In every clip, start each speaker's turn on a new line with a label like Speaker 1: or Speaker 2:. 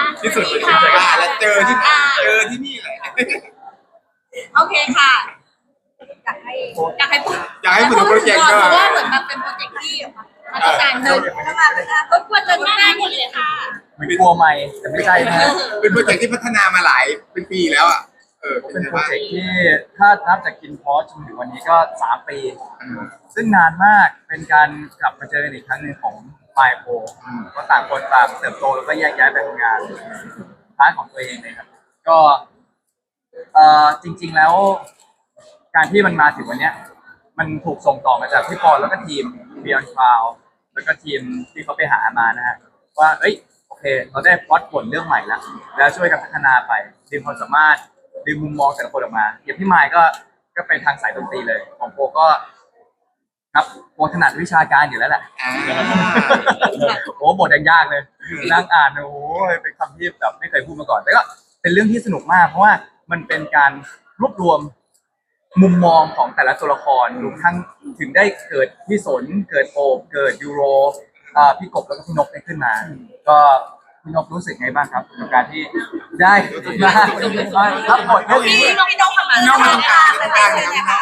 Speaker 1: ที่สุดเลยแล้วเจอที่นี่แหละ
Speaker 2: โอเคค่ะอยากให้พูด
Speaker 1: ถึงโปรเจกต์ก็
Speaker 2: เพราะว่าเหมือนมันเป็นโปรเจกต์ที่มาตรการเดินเข้ามาเลยค่ะรบกวนเดินหน้าหมดเลยค่ะ
Speaker 3: ไม่กลัวไม่แต่ไม่ใช่นะ
Speaker 1: เป็นโปรเจกต์ที่พัฒนามาหลายเป็นปีแล้วอ่ะ
Speaker 3: เป็นโปรเจกต์ที่ถ้านับจากกินพอสจนถึงวันนี้ก็3 ปีซึ่งนานมากเป็นการกลับมาเจอกันอีกครั้งหนึ่งของไมโครก็ต่างคนต่างเติบโตแล้วก็แยกย้ายไปทำงานร้านของตัวเองเลยครับก็จริงๆแล้วการที่มันมาถึงวันนี้มันถูกส่งต่อมาจากพี่ปอนแล้วก็ทีม Beyond Cloud แล้วก็ทีมที่เขาไปหามานะฮะว่าเอ้ยโอเคเราได้พล็อตบทเรื่องใหม่แล้วช่วยกันพัฒนาไปดึงความสามารถดึงมุมมองแต่ละคนออกมาอย่างพี่ไมค์ก็ไปทางสายดนตรีเลยของโปก็ครับโปถนัดวิชาการอยู่แล้วแหละโอ้บทยังยากเลยนั่งอ่านโอ้เป็นคำที่แบบไม่เคยพูดมาก่อนแต่ก็เป็นเรื่องที่สนุกมากเพราะว่ามันเป็นการรวบรวมมุมมองของแต่ละตัวละครรวมทั้งถึงได้เกิดพี่สนเกิดโอบเกิดยูโรพี่กบแล้วก็พี่นกได้ขึ้นมาก็พี่นกรู้สึกไงบ้างครับกับการที่ได้มารับบทเรื่องนี้
Speaker 2: พี่นกทำงานเลยค่ะ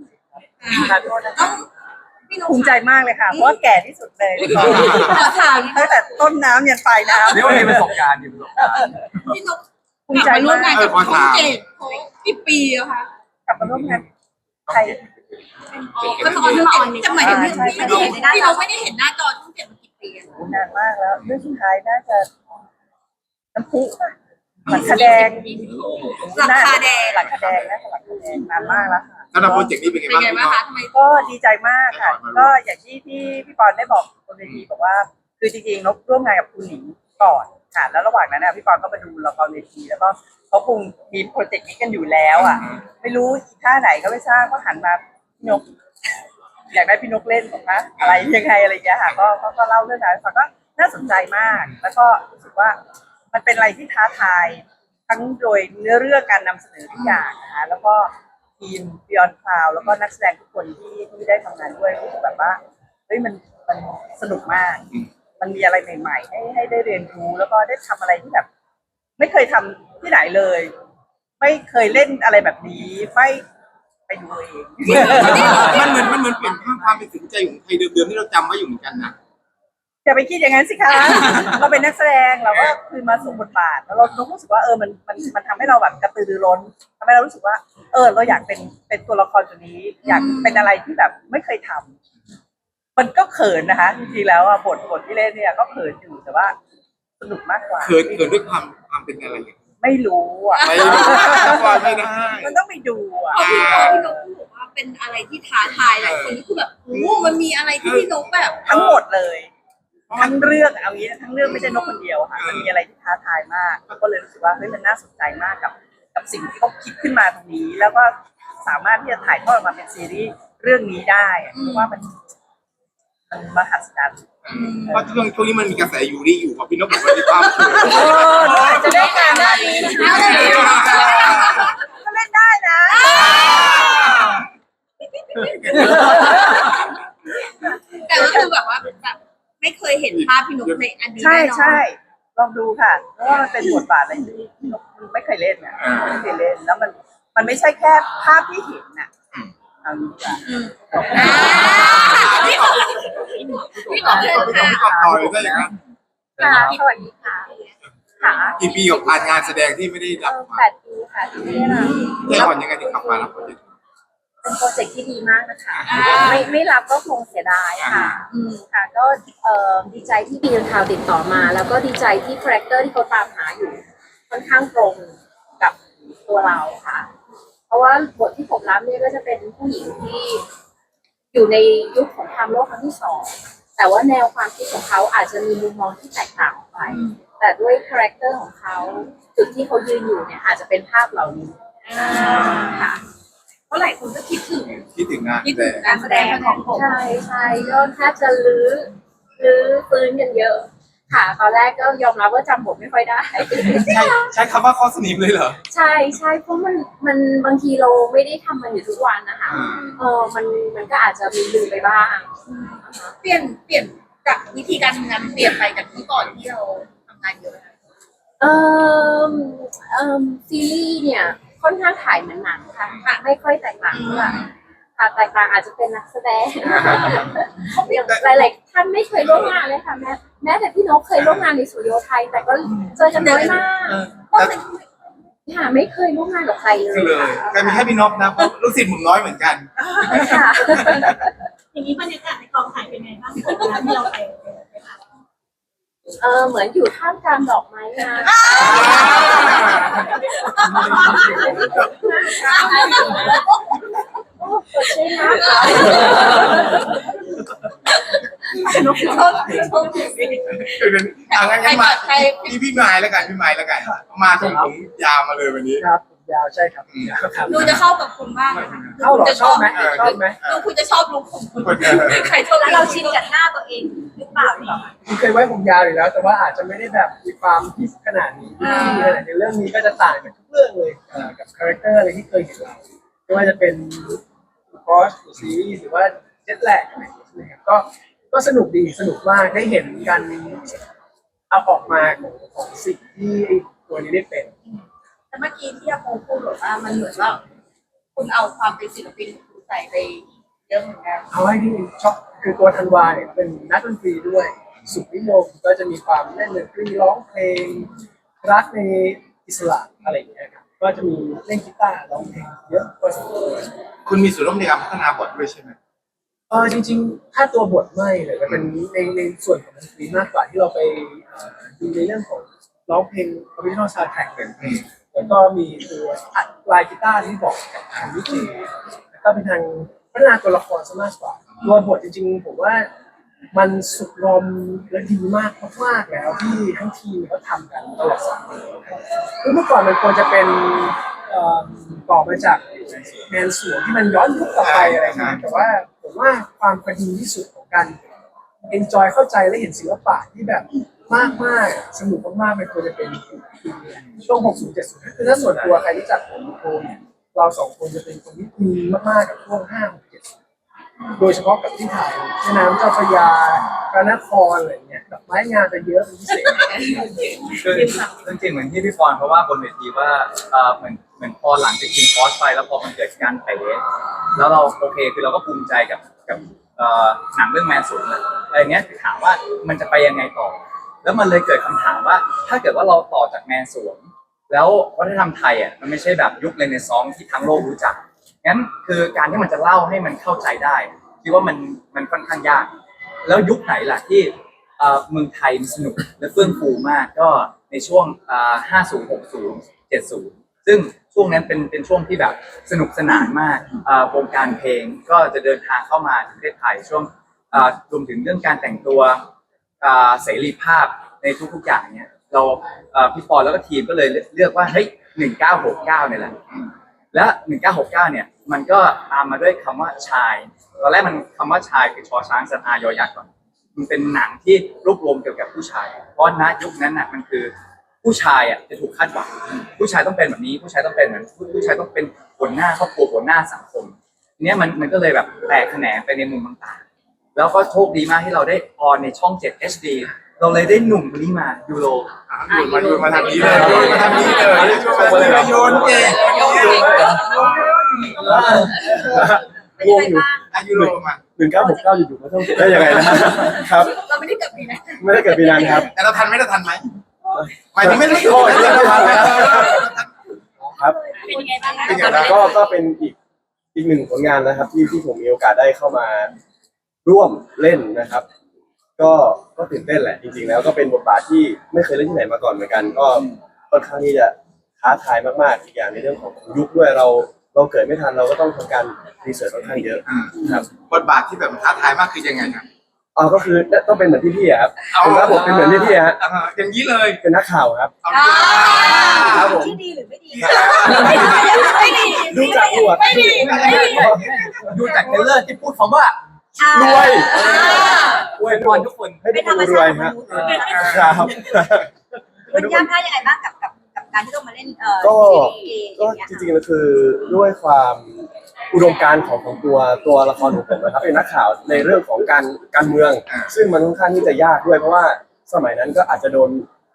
Speaker 4: ภูมิใจมากเลยค่ะเพราะว่าแก่ที่สุดเลยตั้งแต่ต้นน้ำยันปลายน้ำ
Speaker 3: เรียกว่ามีประสบการณ์
Speaker 2: พี่นก
Speaker 4: ภูมิใจ
Speaker 2: ร่วมงาน
Speaker 4: มาก
Speaker 2: กับช่องเจ็ดกี่ปีอะคะ
Speaker 4: กลับมาร่วมงานใคร
Speaker 2: ก็ตอนที่มาออนนี่จะหมายถึงพี่นกไม่ได้เห็นหน้าจอช่องเจ็ดมากี่ปี
Speaker 4: นานมากแล้วเรื่องสุดท้ายน่าจะน้ำพุหลักคาแดง
Speaker 2: หลักคาแดง
Speaker 4: นะหลักคาแดงนานมากแล้วค่ะ
Speaker 1: สำหรับโปรเจกต์นี้เป็นไงบ้าง
Speaker 2: คะ
Speaker 4: ก็ดีใจมากค่ะก็อย่างที่พี่ปอนได้บอกบนเวทีบอกว่าคือจริงๆนกร่วมงานกับคุณหนิงก่อนค่ะแล้วระหว่างนั้นพี่ปอนก็มาดูละครเวทีแล้วก็เขาคงมีโปรเจกต์นี้กันอยู่แล้วอ่ะไม่รู้อีท่าไหนก็ไม่ทราบก็หันมาพี่นกอยากได้พี่นกเล่นบอกนะอะไรยังไงอะไรอย่างเงี้ยค่ะก็เล่าเรื่องนั้นฟังก็น่าสนใจมากแล้วก็รู้สึกว่ามันเป็นอะไรที่ท้าทายทั้งโดยเนื้อเรื่องการนำเสนอทุกอย่างนะคะแล้วก็ทีม Beyond Cloud แล้วก็นักแสดงทุกคนที่ได้ทำงานด้วยรู้สึกแบบว่าเฮ้ยมันสนุกมากมันมีอะไรใหม่ๆให้ได้เรียนรู้แล้วก็ได้ทำอะไรที่แบบไม่เคยทำที่ไหนเลยไม่เคยเล่นอะไรแบบนี้ไม่ไปดูเอง
Speaker 1: มันเหมือนเปลี่ยนความเป็นสินใจของใครเดิมๆที่เราจำไว้อยู่เหมือนกันนะ
Speaker 4: อย่าไปคิดอย่างนั้นสิคะเราเป็นนักแสดงเราก็คือมาสวมบทบาทแล้วเรารู้สึกว่ามันทำให้เราแบบกระตือรือร้นทำให้เรารู้สึกว่าเราอยากเป็นตัวละครตัวนี้อยากเป็นอะไรที่แบบไม่เคยทำมันก็เขินนะคะจริงๆแล้วบทที่เล่นเนี่ยก็เขินอยู่แต่ว่าสนุกมากกว่า
Speaker 1: เขินด้วยความเป็นอะไร
Speaker 4: ไม่รู้
Speaker 1: ไม่ได้
Speaker 4: มันต้องไปดู
Speaker 2: พี่นกบอกว่าเป็นอะไรที่ท้าทายหลายคนที่คือแบบโอ้มันมีอะไรที่พี่นกแบบ
Speaker 4: ทั้งหมดเลยทั้งเรื่องเอางี้ทั้งเรื่องไม่ใช่นกคนเดียวค่ะมันมีอะไรที่ท้าทายมากก็เลยรู้สึกว่าเฮ้ยมันน่าสนใจมากกับสิ่งที่เขาคิดขึ้นมาตรงนี้แล้วก็สามารถที่จะถ่ายทอดออกมาเป็นซีรีส์เรื่องนี้ได้เพราะว่ามันมหัศจรรย์
Speaker 1: เพราะช่วงนี้มันมีกระแสอยู่พี่นกบอกว่ามีความเขิ
Speaker 4: นจะได้การได้ดีก็เล่นได้นะ
Speaker 2: แต่ก็คือแบบว่าแบบไม่เคยเห็นภาพพี่นกในอดีต
Speaker 4: ใช่ลองดูค่ะเพราะว่ามันเป็นบทบาทอะไรที่พี่นกไม่เคยเล่นอ่ะไม่เคยเล่นแล้วมันไม่ใช่แค่ภาพที่เห็นน่ะเอางี้ดีกว่า
Speaker 2: พี่กบเลย
Speaker 1: ค่ะต่อเลยได้ยังไง
Speaker 4: สวัสดีค่ะค่ะ
Speaker 1: กี่ปีกับงานแสดงที่ไม่ได้รับ
Speaker 4: 8 ปีค่ะที่ไม่ได้รับ
Speaker 1: ได้ก่อนยังไงถึงกลับมารับ
Speaker 4: เป็นโปรเจกต์ที่ดีมากนะคะไม่รับก็คงเสียดายค่ะค่ะก็ดีใจที่Beyond Cloudติดต่อมาแล้วก็ดีใจที่คาแรคเตอร์ที่เขาตามหาอยู่ค่อนข้างตรงกับตัวเราค่ะเพราะว่าบทที่ผมรับเนี่ยก็จะเป็นผู้หญิงที่อยู่ในยุคสงครามโลกครั้งที่2แต่ว่าแนวความคิดของเขาอาจจะมีมุมมองที่แตกต่างออกไปแต่ด้วยคาแรคเตอร์ของเขาจุดที่เขายืนอยู่เนี่ยอาจจะเป็นภาพเหล่านี้ค่ะเพราะหลายคนก็คิดถึงการแสดงของผมใช่ก็แทบจะลื้อฟื้นกันเยอะค่ะตอนแรกก็ยอมรับว่าจำบทไม่ค่อยได้
Speaker 1: ใช้คำว่าข้อสนิมเลยเหรอ
Speaker 4: ใช่เพราะมันบางทีเราไม่ได้ทำมันอยู่ทุกวันนะคะมันก็อาจจะมีลืมไปบ้าง
Speaker 2: เปลี่ยนจากวิธีการทำงานเปลี่ยนไปจากที่ก่อนที่เราทำงานเยอะ
Speaker 5: เอ่อซีรีส์เนี่ยค่อนข้างถ่ายเหมือนหนังค่ะไม่ค่อยแตกต่างเท่าไหร่ค่ะแตกต่างอาจจะเป็นนักแสดงหลายๆท่านไม่เคยร่วมงานเลยค่ะแม้แต่พี่นกเคยร่วมงานในสตูดิโอไทยแต่ก็เจอกันน้อยมากค่ะไม่เคยร่วมงานกับใครเลย
Speaker 1: เลยก็มีแค่พี่นพนะเพราะลูกศิษย์หมุมน้อยเหมือนกัน
Speaker 5: ค่ะ
Speaker 2: อย่างนี้บรรยากาศในกองถ่ายเป็นไงบ้างที่เราไป
Speaker 5: เหมือนอยู่ท่ามกลางดอกไม้งามโอ้สดชื่นมากค่ะ
Speaker 1: งั้นมาพี่ไม้แล้วกันพี่ไม้แล้วกันมาถึงผมยาวมาเลยวันนี้
Speaker 6: ครับผมยาวใช่ครับครับ
Speaker 2: ดูจะเข้ากับคุณมากนะคะ
Speaker 6: เข้าเหรอชอบไหมชอบไหม
Speaker 2: ดูคุณจะชอบลุคของคุณใครเท่านั้นเราชินกับหน้าตัวเองหรือเปล่าเนี่ย
Speaker 6: ผมเคยไว้ผมยาวอยู่แล้ว แต่ว่าอาจจะไม่ได้แบบมีความพิเศษขนาดนี้ที่มีขนาดในเรื่องนี้ก็จะต่างกับทุกเรื่องเลยกับคาแรคเตอร์อะไรที่เคยเห็นเราไม่ว่าจะเป็นคอสหรือซีรีส์หรือว่าเจ็ตแลกอะไรอย่างเงี้ยนะครับก็สนุกดีสนุกมากได้เห็นกันเอาออกมาของสิ่งที่ตัวนี้ได้เป็น
Speaker 2: แต่เมื่อกี้ที่อาโปพูดบอกว่ามันเหมือนว่าคุณเอาความเป็นศิลปินของคุณใส่ไปเยอะเหมือนกัน
Speaker 6: เอาให้ที่ชอบคือตัวธันวาเนี่ยเป็นนักดนตรีด้วยสุขนิยมก็จะมีความเล่นดนตรีร้องเพลงรักในอิสระอะไรอย่างเงี้ยครับก็จะมีเล่นกีตาร์ร้องเพลงเยอะพอสมควร
Speaker 1: คุณมีส่วนร่วมในการพัฒนาบทด้วยใช่ไหม
Speaker 6: จริงๆถ้าตัวบทไม่เลยมันเป็นในส่วนของดนตรีมากกว่าที่เราไปดูในเรื่องของร้องเพลง original soundtrack แล้วก็มีตัวอัดลายกีตาร์ที่บอกกับทางวิจิแล้วก็เป็นทางพัฒนาตัวละครซะมากกว่าตัวบทจริงๆผมว่ามันสุกงอมและดีมากแล้วที่ทั้งทีมเขาทำกันตลอด3 ปีคือเมื่อก่อนมันควรจะเป็นต่อมาจากแมนสวนที่มันย้อนยุคกลับไปอะไรอย่างเงี้ยแต่ว่าผมว่าความพอดีที่สุดของการ enjoy เข้าใจและเห็นศิลปะที่แบบมากสนุกมากๆมันควรจะเป็นช่วง 60 70 คือถ้าส่วนตัวใครรู้จักผมโคเนี่ยเรา2 คนจะเป็นคนที่มีมากๆกับช่วง 5 6 7 โดยเฉพาะกับที่ถ่ายแม่น้ำเจ้าพระยาพระนครอะไรเงี้ยดอกไม้งานจะเยอะเป็นพิเศษ
Speaker 3: คือจริงๆเหมือนที่พี่ปอนเพราะว่าบนเวทีว่าเหมือนพอหลังจากกินคอร์สไปแล้วพอมันเกิดการเตะแล้วเราโอเคคือเราก็ภูมิใจกับหนังเรื่องแมนสวนอะไรเงี้ยถามว่ามันจะไปยังไงต่อ แล้วมันเลยเกิดคำถามว่าถ้าเกิดว่าเราต่อจากแมนสวนแล้ววัฒนธรรมไทยอ่ะมันไม่ใช่แบบยุคเรเนซองส์ที่ทั้งโลกรู้จักงั้นคือการที่มันจะเล่าให้มันเข้าใจได้คิดว่ามันค่อนข้างยากแล้วยุคไหนล่ะที่เมืองไทยมันสนุกและเฟื่องฟูมากก็ในช่วง50 60 70ซึ่งช่วงนั้นเป็นช่วงที่แบบสนุกสนานมากวงการเพลงก็จะเดินทางเข้ามาประเทศไทยช่วงรวมถึงเรื่องการแต่งตัวเสรีภาพในทุกๆอย่างเนี่ยเราพี่ปอแล้วก็ทีมก็เลยเลือกว่าเฮ้ย1969เนี่ยแหละและ1969เนี่ยมันก็ตามมาด้วยคำว่าชายตอนแรกมันคำว่าชายคือชอช้างสระอายอยักษ์ก่อนมันเป็นหนังที่รวบรวมเกี่ยวกับผู้ชายเพราะณยุคนั้นน่ะมันคือผู้ชายอ่ะจะถูกคาดหวังผู้ชายต้องเป็นแบบนี้ผู้ชายต้องเป็นเหมือนผู้ชายต้องเป็นหัวหน้าครอบครัวหัวหน้าสังคมเนี้ยมันก็เลยแบบแตกแขนงไปในมุมต่างๆแล้วก็โชคดีมากที่เราได้ออนในช่อง 7 HD เราเลยได้หนุ่มคนนี้มายูโร
Speaker 1: มาทางนี้เลยมาทางนี้เลยโยนเก่ง
Speaker 2: เป็นยังไงบ้าง
Speaker 1: อายุโรมา
Speaker 6: 1969อยู่ๆมาต้องได้ยังไงนะครับ
Speaker 2: เราไม่ได้เกิดปีนั้น
Speaker 6: ไม่ได้เกิดปีนั้นครับ
Speaker 1: แต่เราทันไหมหมายถึงไม่รู้
Speaker 6: ครับ
Speaker 2: เป็นยังไงบ้างนะ
Speaker 6: ก็เป็นอีกหนึ่งผลงานนะครับที่ผมมีโอกาสได้เข้ามาร่วมเล่นนะครับ ก็ตื่นเต้นแหละจริงๆแล้วก็เป็นบทบาทที่ไม่เคยเล่นที่ไหนมาก่อนเหมือนกันก็ค่อนข้างที่จะท้าทายมากๆอีกอย่างในเรื่องของยุคด้วยเราเกิดไม่ทันเราก็ต้องทำการรีเสิร์ชค่อนข้างเยอะครับ
Speaker 1: บทบาทที่แบบท้าทายมากคือยังไงครับ
Speaker 6: ก็คือต้องเป็นเหมือนพี่ๆครับผมรับบทเป็นเหมือนพี่ๆฮะ
Speaker 1: อย่างนี้เลย
Speaker 6: เป็นนักข่าวครับ
Speaker 2: ครับผมที่ดีหรือไม่ดีไม่ดี
Speaker 6: ดูจากอวด
Speaker 2: ไม่ดี
Speaker 3: ดูจากเทรลเลอร์ที่พูดคำว่าร
Speaker 6: วย
Speaker 3: อวยพรทุกคน
Speaker 6: ให้ทุกคนรวยฮะครับ
Speaker 2: มันยากง่ายยังไงบ้างกับการที่ต้องมาเล่น
Speaker 6: ก็
Speaker 2: ซีรีส์อ
Speaker 6: ก็
Speaker 2: ย่างเงี้ย
Speaker 6: จริงๆแล้วคือด้วยความอุดมการณ์ของตัวละครของผมนะครับเป็นนักข่าวในเรื่องของการเมือง ซึ่งมันค่อนข้างที่จะยากด้วยเพราะว่าสมัยนั้นก็อาจจะโดน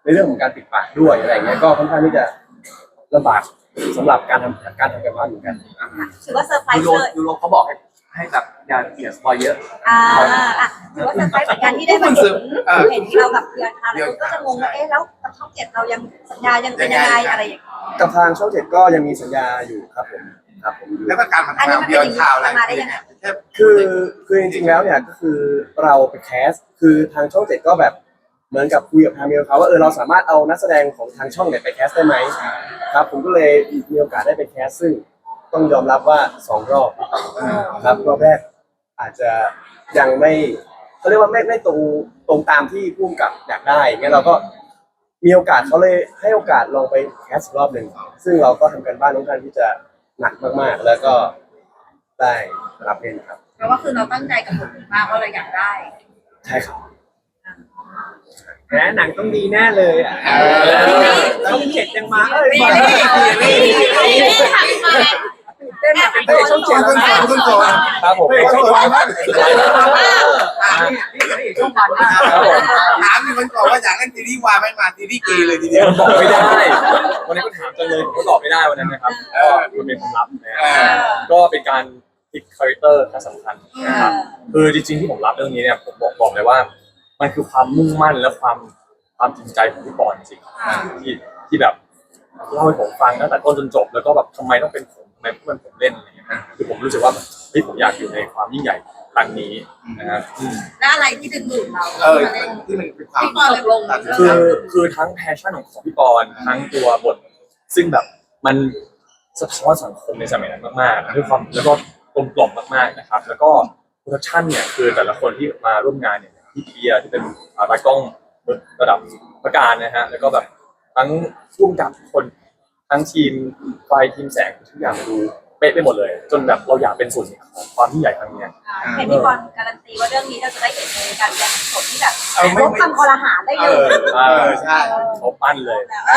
Speaker 7: ในเรื่องของการปิดปากด้วยอะไรเงี้ยก็ค่อนข้างที่จะลำบากสำหรับการทำการบ้านเหมือนกัน
Speaker 2: ถือว่าเซอร์ไพร
Speaker 3: ยู
Speaker 2: ส์
Speaker 3: โร
Speaker 2: เลย
Speaker 3: ยูโรเขาบอกให้แบบอย่าเสียสปอยเยอะ
Speaker 2: ถือว่าเซอร์ไพรส์เหมือนกันที่ได้มาเห็นเรากับเพื่อนค่ะแล้วก็จะงงว่าแล้วกับช่องเจ็ดเรายังสัญญายังเป็นยังไงอะไรอย่างเงี้ย
Speaker 7: กับทางช่อง7ก็ยังมีสัญญาอยู่ครับผม
Speaker 1: แล้วก็การมาทำงานเดียวข่าวอะไร
Speaker 7: คือจริงๆแล้วเนี่ยก็คือเราไปแคสคือทางช่อง7ก็แบบเหมือนกับคุยกับทางเมลเขาว่าเราสามารถเอานักแสดงของทางช่องเนี่ยไปแคสได้ไหมครับผมก็เลยมีโอกาสได้ไปแคสซึ่งต้องยอมรับว่า2รอบครับรอบแรกอาจจะยังไม่เขาเรียกว่าไม่ตรงตามที่ผู้กำกับอยากได้งั้นเราก็มีโอกาสเขาเลยให้โอกาสลองไปแคสรอบหนึ่งซึ่งเราก็ทำกันบ้านค่อนข้างที่จะหนักมากๆแล้วก็ได้รับเล่นครับ
Speaker 2: เพราะว่าคือเราตั้งใจกับบทนี้มากว่าเราอยากได้
Speaker 7: ใช่ครับ
Speaker 6: แหมหนังต้องดีแน่เลยอ่ะช่องเจ็ดยังมามา
Speaker 1: ช่องเจ็ดต้นสอน
Speaker 7: ครับผม
Speaker 1: ช่องวันมาก
Speaker 3: นี่ช่วงวันมาก
Speaker 1: ถามมีคนบอกว่าอยากเล่นซีรีส์วายไม่มาซีรีส์เกย์เลยทีเดียว
Speaker 7: บอกไม่ได้ วันนี้ก็ถามจังเลยผมก็ตอบไม่ได้วันนั้นนะครับก็มันเป็นความลับนะก็เป็นการพลิกคาแรคเตอร์ที่สำคัญนะครับคือจริงๆที่ผมรับเรื่องนี้เนี่ยผมบอกเลยว่ามันคือความมุ่งมั่นและความจริงใจของพี่ปอนจริงๆที่แบบเล่าให้ผมฟังตั้งแต่ต้นจนจบแล้วก็แบบทำไมต้องเป็นผมทำไมเพื่อนผมเล่นอะไรอย่างเงี้ยคือผมรู้สึกว่าเฮ้ยผมอยากอยู่ในความยิ่งใหญ่ครั้งนี้นะครับ
Speaker 2: และอะไรที่ดึงดูดเรา
Speaker 1: ที่มันเป็นความ
Speaker 2: ที่ตกลง
Speaker 7: คือทั้งแพชชั่นของพี่ปอนทั้งตัวบทซึ่งแบบมันสะท้อนสังคมในสมัยนั้นมากๆด้วยความแล้วก็กลมกล่อมมากๆนะครับแล้วก็โปรดักชั่นเนี่ยคือแต่ละคนที่มาร่วมงานเนี่ยพี่เพียร์ที่เป็นตากล้องระดับประการนะฮะแล้วก็แบบทั้งร่วมกับคนทั้งทีมไฟทีมแสงทุกอย่างดูเป๊ะไปหมดเลย จนแบบเราอยากเป็นส่วนหนึ่งของความที่ใหญ่ครั้งนี้
Speaker 2: เห็นพี่บอลการันตีว่าเรื่องนี้เราจะได้เห็นในการแสดงสดที่แบบ
Speaker 1: ไม่
Speaker 2: ลบคำคอรหาได้เลย
Speaker 1: ใช่
Speaker 7: เขาปั้นเลย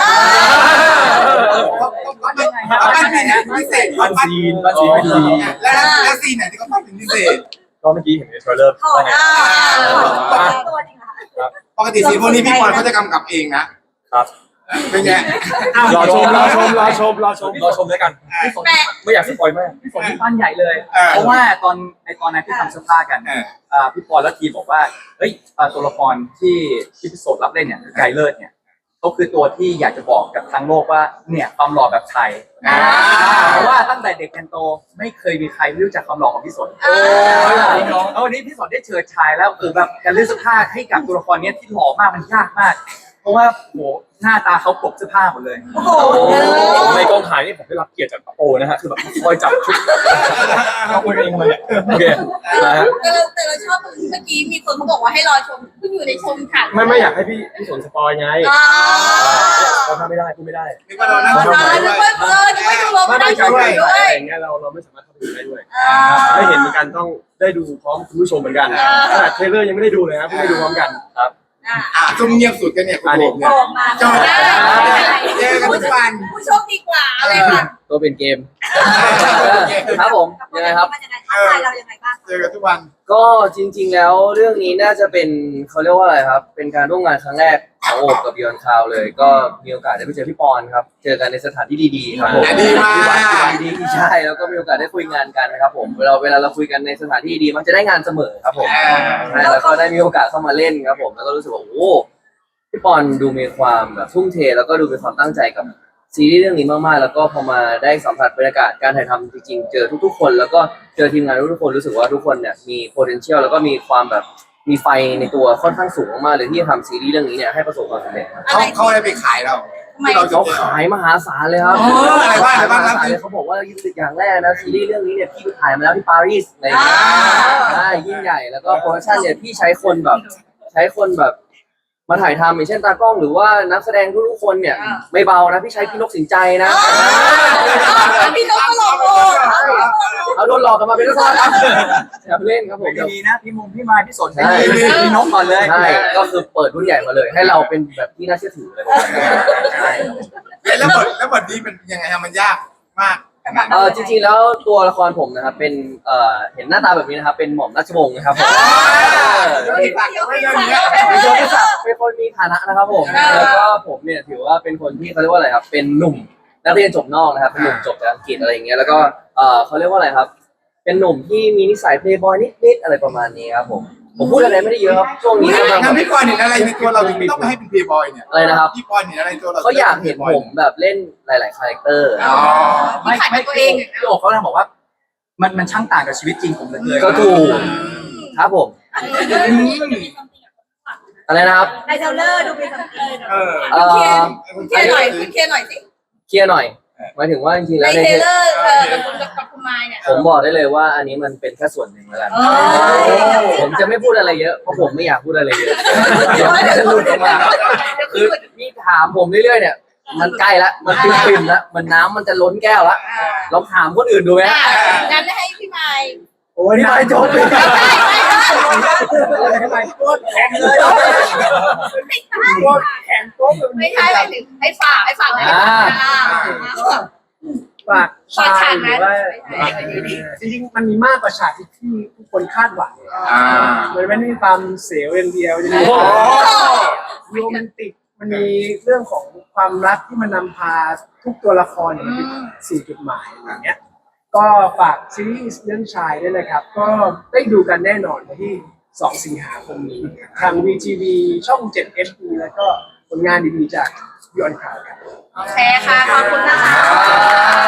Speaker 1: ปั้นซีนพิเศษ
Speaker 7: ปั้นซีนเป็นซีน
Speaker 1: แล้วซีนไหนที่เขาปั้นเป็นพิเศษ
Speaker 7: ก็เมื่อกี้เห็นในเทรลเลอร์
Speaker 2: ถอ
Speaker 7: ว่า
Speaker 2: ด
Speaker 7: ไง
Speaker 2: ตัวจริงค่ะ
Speaker 1: ปกติซีนพวกนี้พี่บอลเขาจะกำกับเองนะครับ เป็นไง
Speaker 7: รอชมด้วยกัน
Speaker 2: แปะ
Speaker 7: ไม่อยากสปอยมาก
Speaker 3: พี่ฝนที่ปั้นใหญ่เลย เพราะว่าตอนนั้นที่ทำเสื้อผ้ากันพี่ปอนและทีมบอกว่าเฮ้ยตัวละครที่พี่โสดรับเล่นเนี่ยไกเลิศเนี่ยเขาคือตัวที่อยากจะบอกกับทั้งโลกว่าเนี่ยความหล่อแบบไทยเพราะว่าตั้งแต่เด็กจนโตไม่เคยมีใครรู้จักความหล่อของพี่สนแล้ววันนี้พี่สนได้เชิดชายแล้วคือแบบการเลือกเสื้อผ้าให้กับตัวละครนี้ที่หล่อมากมันยากมากเพราะว่าโหหน้าตาเขาปกเสื้อผ้าหมดเลย
Speaker 2: โอ้โห
Speaker 7: ในกองถ่ายนี่ผมได้รับเกียรติจากโอนะฮะคือแบบคอยจับชุดเขาคุยเองเลยโอเคนะฮะ
Speaker 2: แต่เราชอบตรงที่เมื่อกี้มีคนเขาบอกว่าให้รอชมเพิ่งอยู่ในชมค่ะ
Speaker 7: ไม่อยากให้พี่สนสปอยไงเราทำไม่ได้พูดไม่ได้
Speaker 1: นี่ก็เรานั่ง
Speaker 2: อ๋อ
Speaker 1: ชม
Speaker 2: นึ
Speaker 1: ด้
Speaker 2: ก
Speaker 1: วย
Speaker 2: ว่านึกว่าดูโรไม่ได้ชมด้วย
Speaker 7: อย่างเงี้ยเราไม่สามารถเข้าไปดูได้ด้วยได้เห็นเหมือนกันต้องได้ดูพร้อมคุณผู้ชมเหมือนกันขนาดเทรลเลอร์ยังไม่ได้ดูเลยครับเพิ่งได้ดูพร้อมกันครับ
Speaker 1: ซุ่มเงียบสุดกันเนี่ยคุณโบเนี่ย
Speaker 2: ออกมา
Speaker 1: เจอกันทุกวัน
Speaker 2: ผู้โชคดีกว่าอะไรค่ะ
Speaker 7: ตัวเป็นเกม
Speaker 8: ครับผมยังไงครับ
Speaker 2: มันยังไงท้าทายเรายังไงบ้าง
Speaker 1: เจอกันทุกวัน
Speaker 8: ก็จริง ๆ แล้วเรื่องนี้น่าจะเป็นเขาเรียกว่าอะไรครับ เป็นการร่วมงานครั้งแรกของโอบกับ Beyond Cloud เลย ก็มีโอกาสได้ไปเจอพี่ปอนครับ เจอกันในสถานที่ดีๆครับผม
Speaker 1: ดีมาก
Speaker 8: ดีๆใช่แล้วก็มีโอกาสได้คุยงานกันนะครับผมเวลาเราคุยกันในสถานที่ดีมันจะได้งานเสมอครับผมใช่แล้วก็ได้มีโอกาสเข้ามาเล่นครับผมแล้วก็รู้สึกว่าโอ้พี่ปอนดูมีความแบบทุ่มเทแล้วก็ดูมีความตั้งใจกับซีรีส์เรื่องนี้มากๆแล้วก็พอมาได้สัมผัสบรรยากาศการถ่ายทำจริงๆเจอทุกๆคนแล้วก็เจอทีมงานทุกๆคนรู้สึกว่าทุกคนเนี่ยมี potential แล้วก็มีความแบบมีไฟในตัวค่อนข้างสูงมากๆเลยที่จะทำซีรีส์เรื่องนี้เนี่ยให้ประสบความสำเร็จครับ
Speaker 1: เขาได้ไปขายเรา เราจะ
Speaker 8: เขาขายมหาศาลเลยครับ
Speaker 1: อะไรบ้างครับ
Speaker 8: มหาศาลเลยเขาบอกว่าอย่างแรกนะซีรีส์เรื่องนี้เนี่ยพี่ไปถ่ายมาแล้วที่ปารีสอะไรอย่างเงี้ยใช่ยิ่งใหญ่แล้วก็โปรดักชั่นเนี่ยพี่ใช้คนแบบมาถ่ายทำอย่างเช่นตากล้องหรือว่านักแสดงทุกๆคนเนี่ยไม่เบานะพี่ใช้พี่นกสินใจนะ
Speaker 2: พี่นกก็หลอกโอ้
Speaker 8: เขาโดนหลอกกันมาเป็นทอดครับอย่าเล่นครับผม
Speaker 3: ดีนะพี่มายพี่สนพี่นกก่อนเลย
Speaker 8: ใช่ก็คือเปิดรุ่นใหญ่มาเลย ให้เราเป็นแบบที่น่าเชื่อถือเลยใช่
Speaker 1: แล้วบทนี้มันยังไงฮะมันยากมาก
Speaker 8: จริงๆแล้วตัวละครผมนะครับเป็นเห็นหน้าตาแบบนี้นะครับเป็นหม่อมราชวงศ์นะครับผม เป็นคนมีฐานะนะครับผมแล้วก็ผมเนี่ยถือว่าเป็นคนที่เขาเรียกว่าอะไรครับเป็นหนุ่มนักเรียนจบนอกนะครับเป็นหนุ่มจบจากอังกฤษอะไรอย่างเงี้ยแล้วก็เขาเรียกว่าอะไรครับ เป็นหนุ่มที่มีนิสัยเพลย์บอยนิดๆอะไรประมาณนี้ครับผมพูดอะไรไม่ได้เยอะครับช่วงนี้กำลัง
Speaker 1: ทำพี่ปอนเห็นอะไรในตัวเราถึงต้องไปให้เป็นเพย์บอยเนี่ย
Speaker 8: อะไรนะครับ
Speaker 1: พี่ปอนเห็นอะไรในตัวเรา
Speaker 8: เขาอยากเห็นผมแบบเล่นหลายๆคาแรคเตอร์
Speaker 1: อ๋อ
Speaker 3: ไม่พี่โอเขาเลยบอกว่ามันช่างต่างกับชีวิตจริงผมเหลย
Speaker 8: ก็ถูกครับผมอะไรนะครับ
Speaker 2: ในเทเลอร์ดูเป็นสัมผัส
Speaker 1: คุณเคหน่อยคุณเคหน่อยสิ
Speaker 8: เคลียร์หน่อยหมายถึงว่าจริงๆแล้วในเทเลอร์
Speaker 2: กับคุณมายเนี่ย
Speaker 8: ผมบอกได้เลยว่าอันนี้มันเป็นแค่ส่วนหนึ่งแล้วกันผมจะไม่พูดอะไรเยอะเพราะผมไม่อยากพูดอะไรเยอะเดี๋ยวมันจะหลุดออกมาคือพี่ถามผมเรื่อยๆเนี่ยมันใกล้แล้วมันปิ่มๆแล้วมันน้ำมันจะล้นแก้วแล้วลองถามคนอื่นดูไหม
Speaker 2: งั้นให้พี่มาย
Speaker 7: โอ้ยนี่ไม่จบเลย
Speaker 6: แข็งเลยแข็งโป๊ก
Speaker 2: ไม่ใช่ไปถึงให้ฝาก
Speaker 6: ฝากฉากหรือว่าจริงๆมันมีมากกว่าฉากที่ทุกคนคาดหวังมันไม่ได้มีความเสียวอย่างเดียวจะมีโรแมนติกมันมีเรื่องของความรักที่มันนำพาทุกตัวละครไปสู่จุดหมายอย่างเงี้ยก็ฝากซีรีส์เรื่องชายด้วยนะครับก็ได้ดูกันแน่นอนวันที่2 สิงหาคมนี้ทาง VTV ช่อง 7 HD แล้วก็ผลงานดีๆจากBeyond Cloud ครับ
Speaker 2: โอเคค่ะ ขอบคุณนะคะ